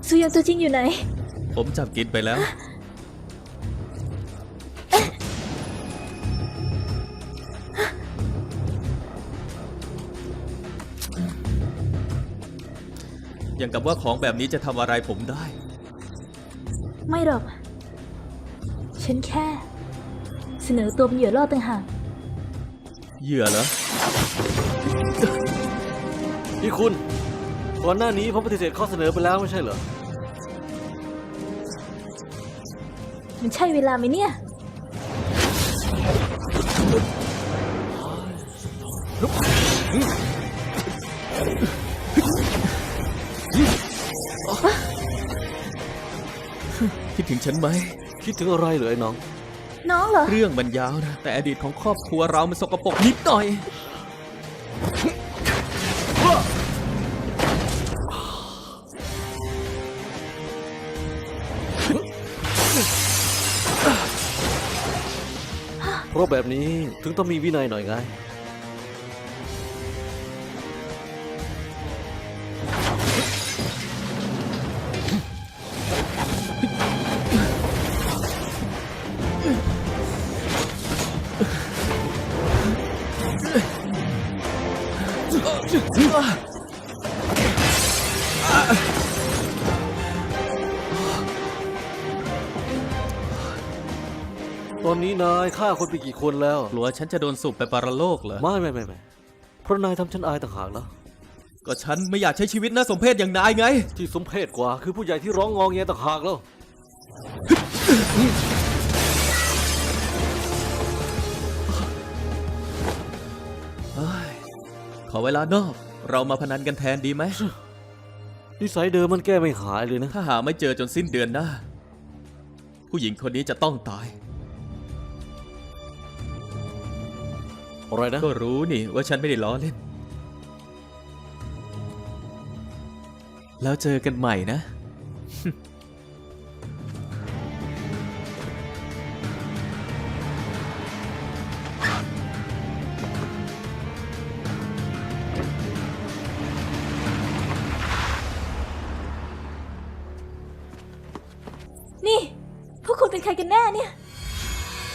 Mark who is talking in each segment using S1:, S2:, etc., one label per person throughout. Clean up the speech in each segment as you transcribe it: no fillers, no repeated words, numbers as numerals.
S1: ซูยองตัวจริงอยู่ไหน
S2: ผมจับกินไปแล้วอย่างกับว่าของแบบนี้จะทำอะไรผมได้
S1: ไม่หรอกฉันแค่เสนอตัวเป็นเหยื่อล่อต่างหาก
S2: เหยื่อเหรอ
S3: พี่คุณก่อนหน้านี้ผมปฏิเสธข้อเสนอไปแล้วไม่ใช่เหรอ
S1: มันใช่เวลาไหมเนี่ย
S2: คิดถึงฉันไหม
S3: คิดถึงอะไรเหรอไอ้น้อง
S1: น้องเหรอ
S2: เรื่องมันยาวนะแต่อดีตของครอบครัวเรามันสกปรกนิดหน่อย
S3: เพราะแบบนี้ถึงต้องมีวินัยหน่อยไงตอนนี้นายฆ่าคนไปกี่คนแล้ว
S2: กลัวฉันจะโดนสูบไปปรโลกเหรอ
S3: ไม่เพราะนายทำฉันอายต่างหากแล้ว
S2: ก็ฉันไม่อยากใช้ชีวิตน่าสมเพชอย่างนายไง
S3: ที่สมเพชกว่าคือผู้ใหญ่ที่ร้องงอแงต่างหากแล้ว
S2: ขอเวลานอกเรามาพนันกันแทนดีไหม
S3: นิสัยเดิมมันแก้ไม่หายเลยนะ
S2: ถ้าหาไม่เจอจนสิ้นเดือนหน้าผู้หญิงคนนี้จะต้องตาย
S3: อะไรนะ
S2: ก็รู้นี่ว่าฉันไม่ได้ล้อเล่นแล้วเจอกันใหม่นะ
S1: นี่พวกคุณเป็นใครกันแน่เนี่ย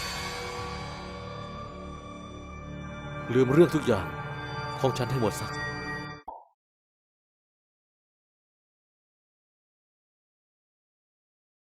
S3: ลืมเรื่องทุกอย่างของฉันให้หมดซะ